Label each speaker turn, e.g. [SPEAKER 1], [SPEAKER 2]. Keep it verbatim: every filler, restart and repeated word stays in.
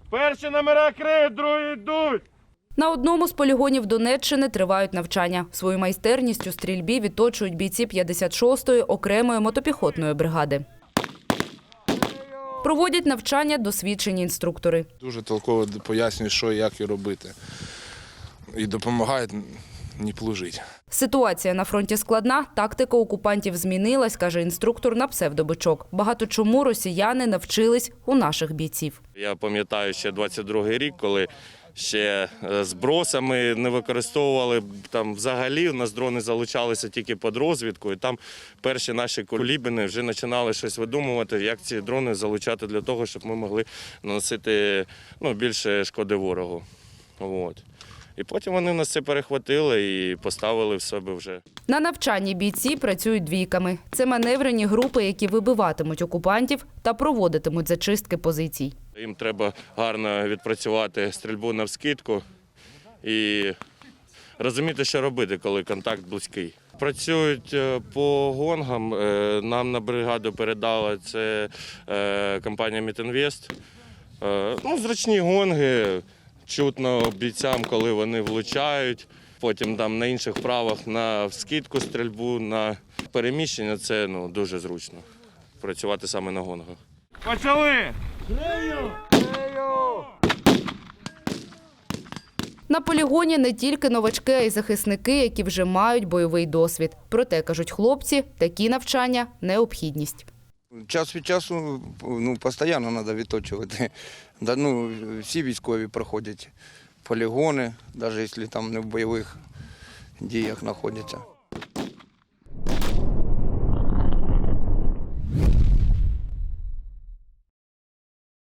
[SPEAKER 1] Перші номера криють, другі йдуть.
[SPEAKER 2] На одному з полігонів Донеччини тривають навчання. Свою майстерність у стрільбі відточують бійці п'ятдесят шостої окремої мотопіхотної бригади. Проводять навчання досвідчені інструктори.
[SPEAKER 3] Дуже толково пояснюють, що і як і робити. І допомагають не плужити.
[SPEAKER 2] Ситуація на фронті складна, тактика окупантів змінилась, каже інструктор на псевдобичок. Багато чому росіяни навчились у наших бійців.
[SPEAKER 1] Я пам'ятаю ще двадцять другий рік, коли ще збросами не використовували, там взагалі у нас дрони залучалися тільки під розвідку, і там перші наші кулібіни вже починали щось видумувати, як ці дрони залучати для того, щоб ми могли наносити ну, більше шкоди ворогу. От. І потім вони нас це перехватили і поставили в себе вже.
[SPEAKER 2] На навчанні бійці працюють двійками. Це маневрені групи, які вибиватимуть окупантів та проводитимуть зачистки позицій.
[SPEAKER 1] Їм треба гарно відпрацювати стрільбу навскидку і розуміти, що робити, коли контакт близький. Працюють по гонгам. Нам на бригаду передала це компанія Мітінвест. Ну, зручні гонги. Чутно бійцям, коли вони влучають, потім там на інших вправах на скидку стрільбу, на переміщення – це ну, дуже зручно працювати саме на гонгах. Почали! Грею! Грею!
[SPEAKER 2] На полігоні не тільки новачки, а й захисники, які вже мають бойовий досвід. Проте, кажуть хлопці, такі навчання – необхідність.
[SPEAKER 4] Час від часу ну, постійно треба відточувати. Да, ну, всі військові проходять полігони, навіть якщо там не в бойових діях знаходяться.